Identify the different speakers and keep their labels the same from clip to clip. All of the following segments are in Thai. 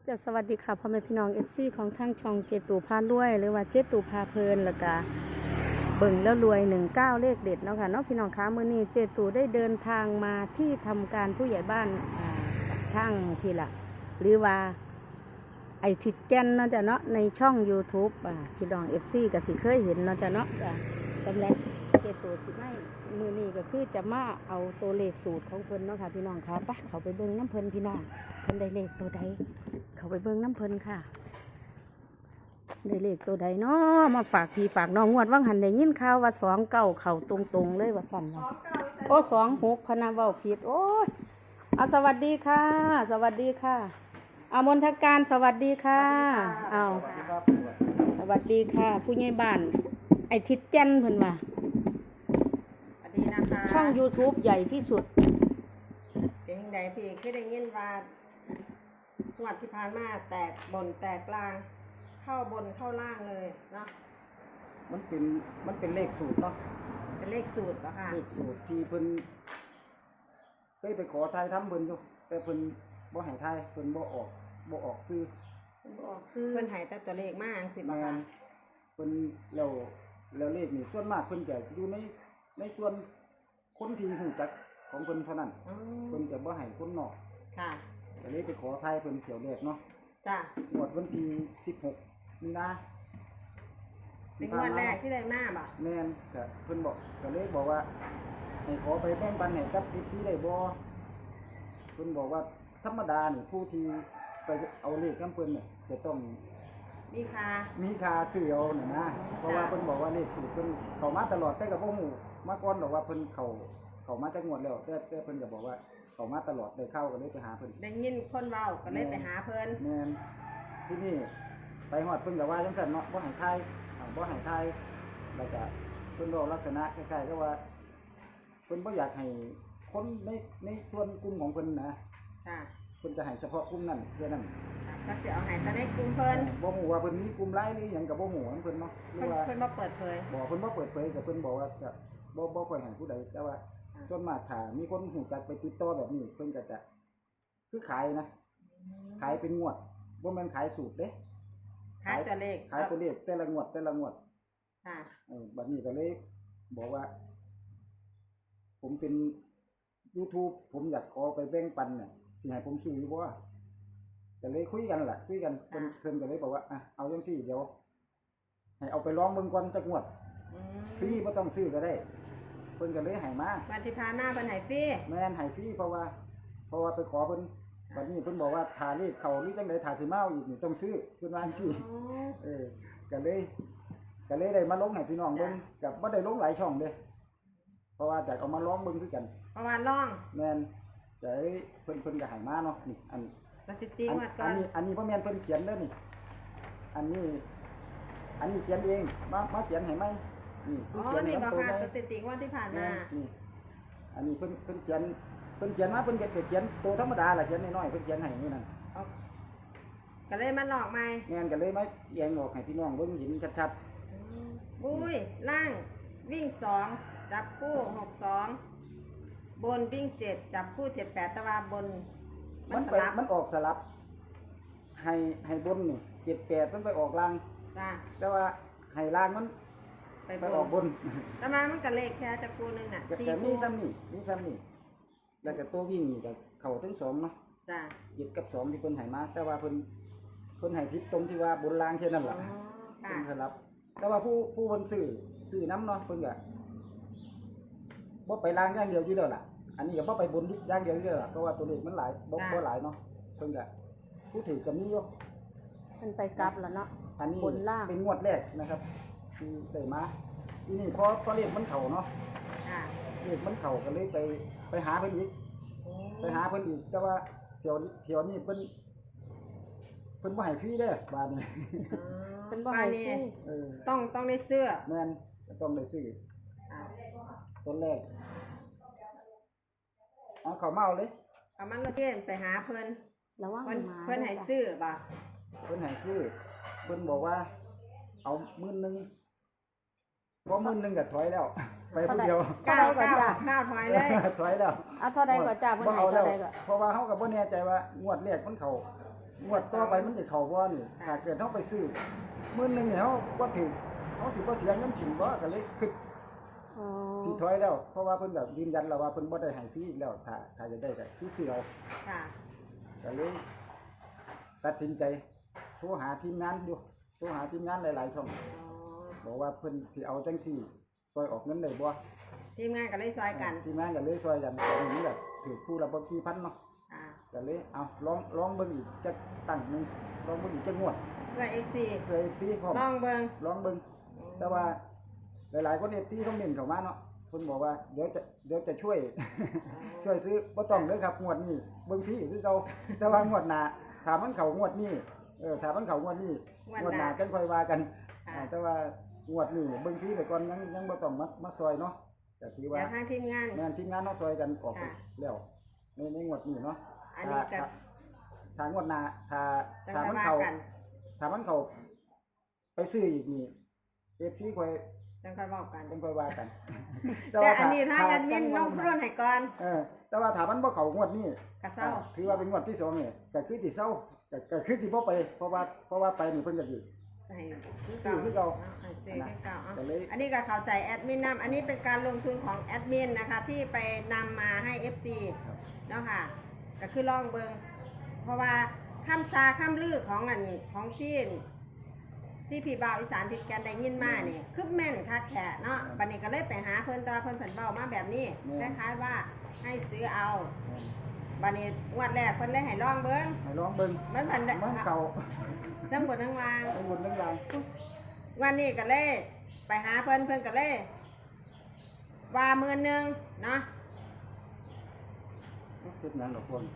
Speaker 1: จะสวัสดีค่ะพ่อแม่พี่น้องFCของทางช่องเจตูพารวยหรือว่าเจตูพาเพลินแล้วก็เบิ่งแล้วรวย19เลขเด็ดเนาะค่ะเนาะพี่น้องคะมื้อนี้เจตูได้เดินทางมาที่ทำการผู้ใหญ่บ้านทางที่ละหรือว่าไอทิดแกนเนาะจ้ะเนาะในช่อง YouTube พี่น้อง FC ก็สิเคยเห็นเนาะจ้ะเนาะสำหรับเจตูสิไม่มื้อนี้ก็คือจะมาเอาตัวเลขสูตรของเพิ่นเนาะค่ะพี่น้องคะไปเขาไปเบิ่งน้ำเพิ่นพี่น้องเพิ่นได้เลขตัวใดเขาไปเบิ่งน้ำเพิ่นค่ะได้เลขตัวใดเนาะมาฝากพี่ฝากน้องงวดว่างหันได้ยินข่าวว่า29เข้าตรงๆเลยว่าสั่นว่าโอ้26พะนะเว้าผิดโอ้ยเอาสวัสดีค่ะ สวัสดีค่ะอามนทการสวัสดีค่ะเอาสวัสดีค่ะผู้ใหญ่บ้านไอทิดแก่นเพิ่นว่า
Speaker 2: สวัสดีนะคะ
Speaker 1: ช่อง YouTube ใหญ่ที่สุด
Speaker 2: เป็นยังไงพี่คือได้ยินว่าหวดที่ผ่านมาแตกบนแตกล่าง เข้าบนเข้าล่างเลยเนาะ
Speaker 3: มันเป็นเลขสูตรเนาะ
Speaker 2: เป็นเลขสูตรเหรอคะ
Speaker 3: เลขสูตรที่เพิ่นเคยไปขอทายทำเพิ่นอยู่แต่เพิ่นบ่ให้ทายเพิ่นบ่ออกซื้อ
Speaker 2: บอกซื้อเพิ่นใหายแต่ตัวเลขมากสิบ
Speaker 3: แม่
Speaker 2: ค่ะ
Speaker 3: นเพิ่นแล้วเลขนี่ส่วนมากเพิ่นจะอยู่ในส่วนคนที่รู้จักของเพิ่นเท่านั้น
Speaker 2: อ๋อ
Speaker 3: เพิ่นจะบ่ให้คนนอก
Speaker 2: ค่ะ
Speaker 3: ก็เลยไปขอทายเพิ่นเที่ยวแรกเนาะ
Speaker 2: จ้ะ
Speaker 3: งวดวันที่16มีนา
Speaker 2: เป็นงวดแรกที่ได้มาบ่ะ
Speaker 3: แม่นก็เพิ่นก็เลยบอกว่าให้ขอไปแบ่งปันให้กับ FC ได้บ่เพิ่นบอกว่าธรรมดานี่ผู้ที่ไปเอาเลขนำเพิ่นเนี่ยจะต้อง
Speaker 2: มีค่ะ
Speaker 3: มีค่าซื้อเอาน่ะนะเพราะว่าเพิ่นบอกว่าเลขสูตรเพิ่นเข้ามาตลอดแต่ก็บ่ฮู้มาก่อนดอกว่าเพิ่นเข้ามาจักงวดแล้วแต่เพิ่นก็บอกว่าเข้ามาตลอดได้เข้าก็เลยไปหาเพิ่น
Speaker 2: ได้ยินคนเว้าก็เลยไปหาเพิ่น
Speaker 3: แม่นที่นี่ไปฮอดเพิ่นก็ว่าจังซั่นเนาะบ่ให้ทายบ่ให้ทายแล้วก็เพิ่นบอกลักษณะคล้ายๆกับว่าเพิ่นบ่อยากให้คนในส่วนกลุ่มของเพิ่นนะ
Speaker 2: ค่ะ
Speaker 3: เพิ่นจะให้เฉพาะกลุ่มนั้นแค่นั้น
Speaker 2: ก็สิเอาใหายแต่ได้กลุ่มเพิ่น
Speaker 3: บ่ฮู้ว่าเพิ่นมีกลุ่มไลน์หรือหยังก็บ่ฮู้ของเพิ่นเนาะหรือว่า
Speaker 2: เพิ่นบ่เปิดเผย
Speaker 3: เพิ่นบ่เปิดเผยก็เพิ่นบอกว่าจะบ่ค่อยให้ผู้ใดแต่ว่าส่วนมากถ้ามีคนรู้จักไปติดต่อแบบนี้เพิ่นก็จะคือขายนะขายเป็นงวดบ่แม่นขายสูตรเด้
Speaker 2: ขายตัวเลข
Speaker 3: ขายตัวเลขแต่ละงวด
Speaker 2: ค่ะ
Speaker 3: บัดนี้ก็เลยบอกว่า ผมเป็น YouTube ผมอยากขอไปแบ่งปันเนี่ยสิให้ผมซื้ออยู่บ่ก็เลยคุยกันล่ะคุยกันเพิ่นก็เลยบอกว่าอ่ะเอาจังซี่เดี๋ยวให้เอาไปลองเบิ่งก่อนจักงวด
Speaker 2: อืม
Speaker 3: ฟรีบ่ต้องซื้อก็ได้เพิ่นก็เลยให้มา
Speaker 2: วันที่ผ่านมาเพิ่นให้ฟรี
Speaker 3: แม่นให้ฟรีเพราะว่าไปขอเพิ่นบัดนี้เพิ่นบอกว่าถ้าเลขเข้าหรือจังได๋ถ้าสิมาเอาอีกนี่ต้องซื้อเพิ่นว่าจังซี่
Speaker 2: อ๋อ
Speaker 3: ก็เลยได้มาลงให้พี่น้องเบิ่งกับบ่ได้ลงหลายช่องเด้เพราะว่าอยากเอามาลองเบิ่งคือกัน
Speaker 2: ประมาณร่อง
Speaker 3: แม่นแต่เพิ่นก็ให้มาเนาะนี่อัน
Speaker 2: สถิติงวดก่อน
Speaker 3: นี้บ่แม่นเพิ่นเขียนเด้อนี่อันนี้เขียนเองมาเขียนให้ไหมนี่
Speaker 2: อ๋อ
Speaker 3: เขียนให้
Speaker 2: นี่บ่
Speaker 3: ตัว
Speaker 2: ค่ะ
Speaker 3: ไหม
Speaker 2: สถิติงวดที่ผ่านมา
Speaker 3: นี่อันนี้เพิ่นเขียนมาเพิ่นก็เขียนตัวธรรมดาล่ะเขียนน้อยๆเพิ่นเขียนให้นี่นั่น
Speaker 2: เอาก็เลยมาหลอกใหม่
Speaker 3: แม่นก็เลยมาแยงออกให้พี่น้องเบิ่งเห็นชัด
Speaker 2: บุ้ยล่างวิ่งสองจับคู่62บนวิ่ง7จับคู่78แต่ว่าบน
Speaker 3: ๆ
Speaker 2: มันสลับ
Speaker 3: มันออกสลับให้บนนี่78มันไปออกล่าง
Speaker 2: จ้า
Speaker 3: แต่ว่าให้ล่างมัน
Speaker 2: ไป
Speaker 3: ไป
Speaker 2: บ
Speaker 3: ออกบ
Speaker 2: น
Speaker 3: น
Speaker 2: แต่มามันก็เลขแค่จับคู่หนึงน่ะ
Speaker 3: ก็
Speaker 2: 4
Speaker 3: มี
Speaker 2: คู่
Speaker 3: ซ้ำนี่แล้วก็ตัววิ่งนี่ก็เข้าทั้งสองเนาะ
Speaker 2: จ้า
Speaker 3: 7กับ2ที่เพิ่นให้มาแต่ว่าเพิ่นให้ผิดตรงที่ว่าบนล่างแค่นั้น
Speaker 2: อ๋อ
Speaker 3: ล่ะ
Speaker 2: ค่ะ
Speaker 3: เพิ่นสลับ แต่ว่าผู้เพิ่นซื้อน้ำเนาะเพิ่นก็บ่ไปล่างอย่างเดียวอยู่แล้วล่ะอันนี้ก็บ่ไปบนอย่างเดียวอยู่แล้วล่ะเพราะว่าตัวเลขมันหลายบ่หลายเนาะเพิ่นก็ผู้ถือก็มีอยู่
Speaker 1: มันไปกลับแล้วเนาะ
Speaker 3: อันนี้
Speaker 1: บนล่าง
Speaker 3: เป็นงวดแรกนะครับที่ได้มาทีนี้พอเลขมันเข้าเนาะ
Speaker 2: ค่ะ
Speaker 3: เลขมันเข้าก็เลยไปหาเพิ่นอีก
Speaker 2: โอ้
Speaker 3: ไปหาเพิ่นอีกแต่ว่าเที่ยวนี้เพิ่นบ่ให้ฟรีเด้อบาดนี้
Speaker 1: เป็นบ่
Speaker 2: บ้า
Speaker 1: ให้
Speaker 2: นนี้
Speaker 1: ซื้อ
Speaker 3: เออ
Speaker 2: ต้องได้เสื้อ
Speaker 3: แม่นก็ต้องได้ซื้อ
Speaker 2: อ่า
Speaker 3: ต้นแรกเอาเข้ามาเอาเลย
Speaker 2: เอามันมาเกณฑ์ไปหาเพิ่น
Speaker 1: ระวัง
Speaker 2: เพิ่น
Speaker 1: หมา
Speaker 2: เพิ่นให้ซื้อบ่
Speaker 3: เพิ่นให้ซื้อเพิ่นบอกว่าเอา10,000 พอมื้อนึงก็ถอยแล้ว ไปผู้เดียว
Speaker 1: เท่าใดก่อนจ้ะ
Speaker 2: ข้าวถอยเลย
Speaker 3: ถอยแล้ว
Speaker 1: เอาเท่าใดก่อนจ้าเพิ่นให้
Speaker 3: บ่
Speaker 1: เท่าใดก่อน
Speaker 3: เพราะว่าเฮาก็บ่แน่ใจว่างวดแรกมันเข้างวดต่อไปมันสิเข้าบ่นี่ถ้าเกิดเฮาไปซื้อมื้อนึงเนี่ยเฮาบ่ถือเฮาสิบ่เสียเงินถิ่มบ่ก็เลยคิด
Speaker 1: อ๋อ
Speaker 3: สิถอยแล้ว เพราะว่าเพิ่นก็ยืนยันแล้วว่าเพิ่นบ่ได้ให้ฟรีอีกแล้วถ้าจะได้ก็คือซื้อเอา
Speaker 2: ค่ะ
Speaker 3: ก็เลยตัดสินใจโทรหาทีมงานอยู่โทรหาทีมงานหลายๆช่อง
Speaker 2: อ๋อ
Speaker 3: บอกว่าเพิ่นสิเอาจังซี่ซอยออกเงินได้บ่
Speaker 2: ทีมงานก็เลยซอยกัน
Speaker 3: ทีมงานก็เลยซอยกันตอนนี้แบบถือคู่ละบ่กี่พันเนาะ
Speaker 2: ค่ะ
Speaker 3: ก็เลยเอาลองเบิ่งอีกจักตั้งหนึงลองเบิ่งอีกจักงวด
Speaker 2: เพื่อ FC
Speaker 3: เคยฟรีพร้อม
Speaker 2: ลองเบิ่ง
Speaker 3: ลองเบิ่งแต่ว่าหลายๆคน FC คอมเมนต์เข้ามาเนาะเพิ่นบอกว่าเดี๋ยวจะช่วย ช่วยซื้อบ่ต้องเด้อครับงวดนี้เบิ่งฟรีคือเก่าแต่ว่างวดหน้าถ้ามันเข้างวดนี้ถ้ามันเข้างวดนี้งวดหน้าจังค่อยว่ากัน
Speaker 2: ค่ะ
Speaker 3: แต่ว่างวดนี้เบิ่งฟรีไปก่อนยังบ่ต้องมาซอยเนาะก็ถือว่า
Speaker 2: เดี๋ยวทางทีมงาน
Speaker 3: แม่นทีมงานเนาะซอยกันออกไป
Speaker 2: ค่ะ
Speaker 3: แล้วในงวดนี้เนาะ
Speaker 2: อันนี้ก็
Speaker 3: ถ้างวดหน้าถ้า
Speaker 2: จัง
Speaker 3: ถ้า
Speaker 2: ค่อย
Speaker 3: มัน
Speaker 2: ว่า
Speaker 3: เข้า
Speaker 2: กัน
Speaker 3: ถ้ามันเข้าไปซื้ออีกนี่ FC ค่อย
Speaker 2: จังค่อยบอกกัน
Speaker 3: จังค่อยว่ากัน
Speaker 2: แต่อันนี้ทางแอดมินน้องพรุ่นให้ก่อน
Speaker 3: แต่ว่าถ้ามันบ่เข้างวดนี้
Speaker 2: กระเซ้า
Speaker 3: ถือว่าเป็นงวดที่2นี่ก็คือสิเซาก็คือสิบ่ไปเพราะว่าไปนี่เพิ่นก็อยู่
Speaker 2: ให้
Speaker 3: ซื้อคือเก่า
Speaker 2: ให้ซื้อคือเก่า
Speaker 3: ก็เลย
Speaker 2: อันนี้ก็เข้าใจแอดมินนำอันนี้เป็นการลงทุนของแอดมินนะคะ ที่ไปนำมาให้ FC
Speaker 3: ครับ
Speaker 2: เนาะค่ะ ก็คือลองเบิงเพราะว่าคำซาคำลือของอันของที่พี่บ่าวอีสานติดกันได้ยินมาเนี่ยคือแม่นคักแท้เนาะบัดนี้ก็เลยไปหาเพิ่นแตว่าเพิ่นเพิ่นเบ้ามาแบบนี้คล้ายๆว่าให้ซื้อเอาบัดนี้งวดแรกเพิ่นเลยให้ลองเบิ่ง
Speaker 3: ให้ลองเบิ่ง
Speaker 2: มันเพิ่นได้
Speaker 3: มันเข้า
Speaker 2: ทั้งหมดทั้งวาง
Speaker 3: ทั้งบนทั้งล่าง
Speaker 2: วันนี้ก็เลยไปหาเพิ่นก็เลยว่า10,000เนาะ
Speaker 3: คิดหยังดอกคน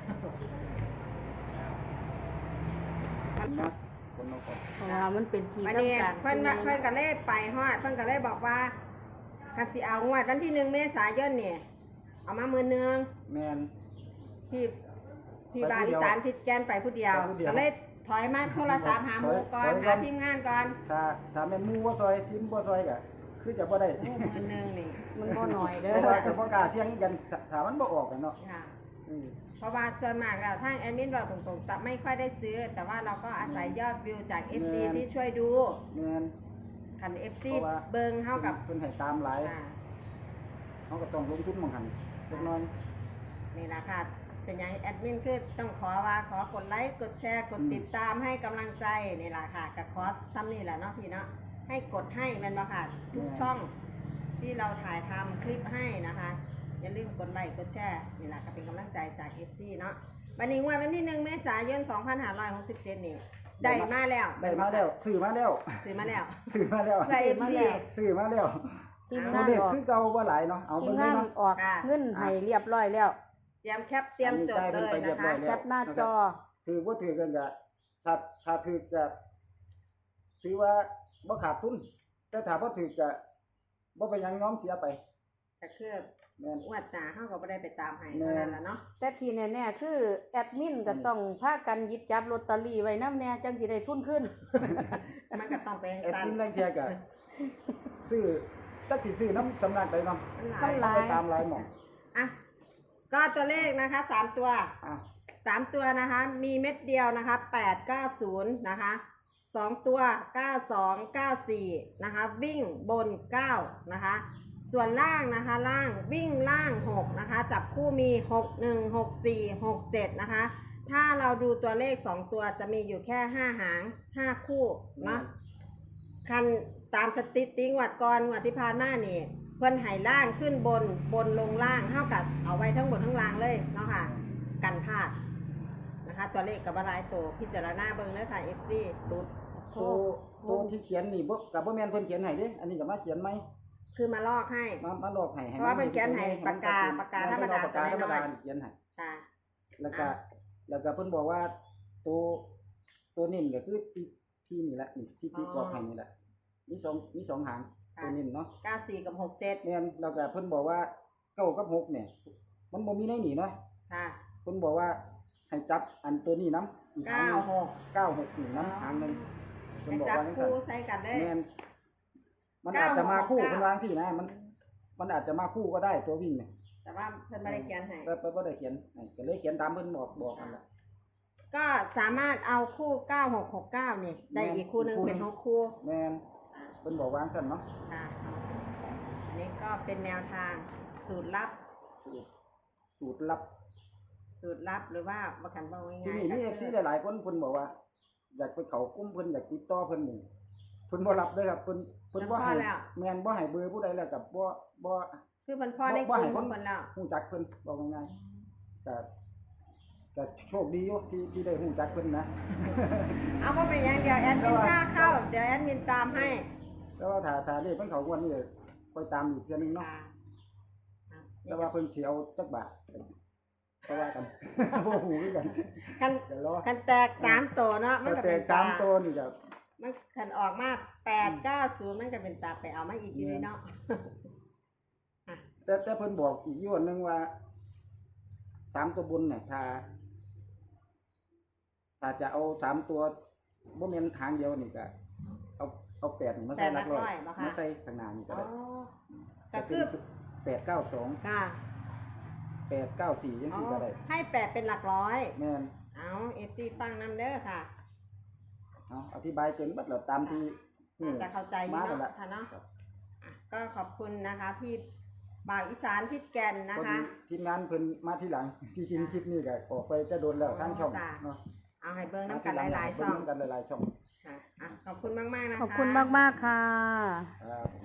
Speaker 3: นะคนเอาก่อน
Speaker 1: เพราะว่ามันเป็นที่
Speaker 2: วัน
Speaker 1: ทำ
Speaker 2: นี้
Speaker 1: การ
Speaker 2: เพิ่นว่าเพิ่นก็เลยไปฮอดเพิ่นก็เลยบอกว่าคันสิเอางวดวันที่1 เมษายนเนี่ยเอามา10,000
Speaker 3: แม่น
Speaker 2: พี่บาวอีสานทิดแกนไปผู้เดียว
Speaker 3: ไปผู้เดียว
Speaker 2: ก็เลยถอยมาโทรศัพท์หาหมู่ก่อน
Speaker 3: ถอยก่อน
Speaker 2: หาทีมงานก่อน
Speaker 3: ถ้าแม่นหมู่บ่ซอยทีมบ่ซอยก็คือจะบ่ได้
Speaker 2: โอ้10,000นี่
Speaker 1: มันบ่น้อยเด้
Speaker 3: เพราะว่า
Speaker 1: อ
Speaker 3: ก็บ่กล้าเสี่ยงกันถ้ามันบ่ออกกันเนาะ
Speaker 2: ค่ะ
Speaker 3: อืม
Speaker 2: เพราะว่าส่วนมากแล้วทางแอดมินเราตรงๆจะไม่ค่อยได้ซื้อ แต่ว่าเราก็อาศัยยอดวิวจาก FC ที่ช่วยดู
Speaker 3: แม่น
Speaker 2: คัน FC
Speaker 3: เพราะว่า
Speaker 2: เบิงเท่ากับ
Speaker 3: เพิ่นให้ตามหลาย
Speaker 2: อ่า
Speaker 3: เฮาก็ต้องลงทุนหม่องหันเล็กน้อย
Speaker 2: นี่แหละค่ะ เป็นอย่างแอดมินคือต้องขอกดไลค์กดแชร์กดติดตามให้กำลังใจนี่แหละค่ะกับคอร์สซ้ำนี่แหละเนาะพี่เนาะให้กดให้แมันมาค่ะทุกช่องที่เราถ่ายทำคลิปให้นะคะอย่าลืมกดไลค์กดแชร์นี่แหละก็เป็นกำลังใจจาก FC เนาะวันนี้วันที่1 เมษายน 2567นี่ได้มาแล้ว
Speaker 3: ได้มาแล้วซื้อมาแล้ว
Speaker 2: ซื้อมาแล้ว
Speaker 3: ซื้อมาแล้ว
Speaker 2: เพื่อ FC
Speaker 3: ซื้อมาแล้ว
Speaker 1: ทีม
Speaker 3: ตัว
Speaker 1: งาน
Speaker 3: เลข
Speaker 1: ออก
Speaker 3: คือเก่าบ่หลายเนาะเอา
Speaker 1: ที
Speaker 3: เบิ่
Speaker 1: ม
Speaker 3: งเล
Speaker 1: งาย น
Speaker 3: เนาะ
Speaker 1: ออก
Speaker 2: ค่ะ
Speaker 1: เงินให้เรียบร้อยแล้ว
Speaker 2: เตรียมแคปเตรียมจดเลยนะคะ
Speaker 1: แคปหน้าจอ
Speaker 3: ถือบ่ถือกันก็ถ้าถือก็ถือว่าบ่ขาดทุนแต่ถ้าบ่ถือก็บ่ไปนหยังน้อมเสียไป
Speaker 2: ก็คือ
Speaker 3: แม่น
Speaker 2: อวดหนาเขาก็ไม่ได้ไปตามให้เท่านั้นแหละเนาะ
Speaker 1: แต่ที่แน่ๆคือแอดมินก็ต้องพากันหยิบจับลอตเตอรี่ไว้นำแน่จังสิได้ทุนขึ้น
Speaker 2: มันก็ต้องไป
Speaker 3: แอด
Speaker 2: สั่น
Speaker 3: มินแรงเทียก็ซื้อจักสิซื้อน้ำสำนักใดเนาะ
Speaker 2: มันหลาย
Speaker 1: มันหลาย
Speaker 3: ไปตามหลายหม่อง
Speaker 2: อ่ะก็ตัวเลขนะคะ3 ตัว
Speaker 3: อ่ะ
Speaker 2: 3 ตัวนะคะ มีเม็ดเดียวนะคะ890นะคะ2 ตัว 92 94นะคะวิ่งบน9นะคะส่วนล่างนะคะล่างวิ่งล่าง6นะคะจับคู่มี61 64 67นะคะถ้าเราดูตัวเลข2 ตัวจะมีอยู่แค่5 หาง 5 คู่เนาะคันตามสถิติงวดก่อนงวดที่ผ่านมานี่เพิ่นให้ล่างขึ้นบนบนลงล่างเท่ากับเอาไว้ทั้งบนทั้งล่างเลยเนาะค่ะกันพลาดนะคะตัวเลขกับบรายตัวพิจารณาเบิ่งเด้อค่ะ FC ตุ๊ด
Speaker 3: ตัวที่เขียนนี่บ่ก็บ่แม่นเพิ่นเขียนให้เด้อันนี้ก็มาเขียนใหม่
Speaker 2: คือมาลอกให้
Speaker 3: มาลอกให้
Speaker 2: เพราะว่าเพิ่นเขียนให้ปากกาธรรมดา
Speaker 3: ปากกาธรรมดา
Speaker 2: ตัวน้อย
Speaker 3: เขียนให้
Speaker 2: ค่ะ
Speaker 3: แล้วก็เพิ่นบอกว่าตัวนิ่มก็คือที่นี่แหละนี่ที่กรอบให้นี่แหละมีสองหางตัวนิ่มเนาะ
Speaker 2: 94 กับ 67
Speaker 3: แม่นแล้วก็เพิ่นบอกว่า9กับ6เนี่ยมันบ่มีในนี่เนาะ
Speaker 2: ค่ะ
Speaker 3: เพิ่นบอกว่าให้จับอันตัวนี้นํอีกหางหนึง
Speaker 2: 96
Speaker 3: 96นี่นํหางหนึงเพิ่น
Speaker 2: ให้
Speaker 3: บอก
Speaker 2: จับ
Speaker 3: ว่าจังซั่น
Speaker 2: คู่ใส่กันได้
Speaker 3: แม่นมันอาจจะมาคู่เป็นวางสินะมันอาจจะมาคู่ก็ได้ตัววิ่งเนี่ย
Speaker 2: แต่ว่าเพิ่นไม่ได้เขียนให้
Speaker 3: แต่บ่ได้เขียนให้ก็เลยเขียนตามเพิ่นบอกนั่นแหละ
Speaker 2: ก็สามารถเอาคู่ 9669นี่ได้อีกคู่หนึงเป็น6คู่
Speaker 3: แม่นเพิ่นบอกวางซั่นเนาะ
Speaker 2: ค่ะอันนี้ก็เป็นแนวทางสูตรลับ
Speaker 3: สูตรลับ
Speaker 2: สูตรลับหรือว่าบ่คันเว้า
Speaker 3: ที่
Speaker 2: ง่าย
Speaker 3: นี่
Speaker 2: ๆ
Speaker 3: มี FC หลายๆคนเพิ่นบอกว่า อยากไปเข้ากลุ่มเพิ่นอยากติดต่อเพิ่นนี่เพิ่นบ่รับเด้อครับเพิ่นบ่ให้แม่นบ่ให้เบอร์ผู้ใดแล้วก็บ่
Speaker 2: คือเพิ่นพอในกลุ่มของเพิ่นแล้ว
Speaker 3: ฮู้จักเพิ่นบอกง่ายๆก็โชคดีอยู่ที่ได้ฮู้จักเพิ่นนะ
Speaker 2: เอาบ่เป็นหยังเดี๋ยวแอดมินพาเข้าเดี๋ยวแอดมินตามให้
Speaker 3: แต่ว่าถ้าเลขเพิ่นเข้างวดนี้ค่อยตามอีกเทื่อนึงเนาะ
Speaker 2: ค่ะ
Speaker 3: แต่ว่าเพิ่นสิเอาจักบาทก็ว่ากัน บ่ฮู้คือกัน
Speaker 2: คัน
Speaker 3: เดี๋ยวรอ
Speaker 2: คันแตก3ตัวเนาะมันก็
Speaker 3: แต่
Speaker 2: เป็น
Speaker 3: ตา
Speaker 2: ตาม
Speaker 3: ตัวนี่ก็
Speaker 2: มันคันออกมา890มันก็เป็นตาไปเอามาอีกอยู่นี่เนาะ
Speaker 3: แต่เพิ่นบอกอีกอยู่อันนึงว่า3ตัวบนเนี่ยถ้าจะเอา3ตัวบ่แม่นทางเดียวนี่ก็เอา8นี่มาใส่หลักร้อยมาใส่ข้างหน้านี่ก็
Speaker 2: อ๋อ
Speaker 3: ได้
Speaker 2: ก็คือ
Speaker 3: 892
Speaker 2: ค่ะ
Speaker 3: 894จัง
Speaker 2: อ๋อ
Speaker 3: ซี่ก็ได้
Speaker 2: ให้8เป็นหลักร้อย
Speaker 3: แม่น
Speaker 2: เอา FC ฟังนำเด้อค่ะ
Speaker 3: เอาอธิบายจนเบิดแล้วตามที่นี่
Speaker 2: จะเข้าใจอยู่
Speaker 3: มาแล้ว
Speaker 2: เนาะ
Speaker 3: ล่ะ
Speaker 2: ค่ะเนาะ
Speaker 3: ครับ
Speaker 2: อ่ะก็ขอบคุณนะคะพี่บ่าวอีสานพิษแก่นนะ
Speaker 3: พอ
Speaker 2: คะ
Speaker 3: ดีทีมงานเพิ่นมาทีหลัง ที่จริงคลิปนี้ก็ออกไปจะโดนแล้วทางช่อง
Speaker 2: จ้ะ
Speaker 3: เนาะ
Speaker 2: เอาให้เบิ้งน้ำกันหลายๆช่อง
Speaker 3: เบิ่น้ำกันหลายๆช่อง
Speaker 2: ค่ะอ่ะขอบคุณมากๆนะคะ
Speaker 1: ขอบคุณมากๆค่ะ
Speaker 3: ครับผม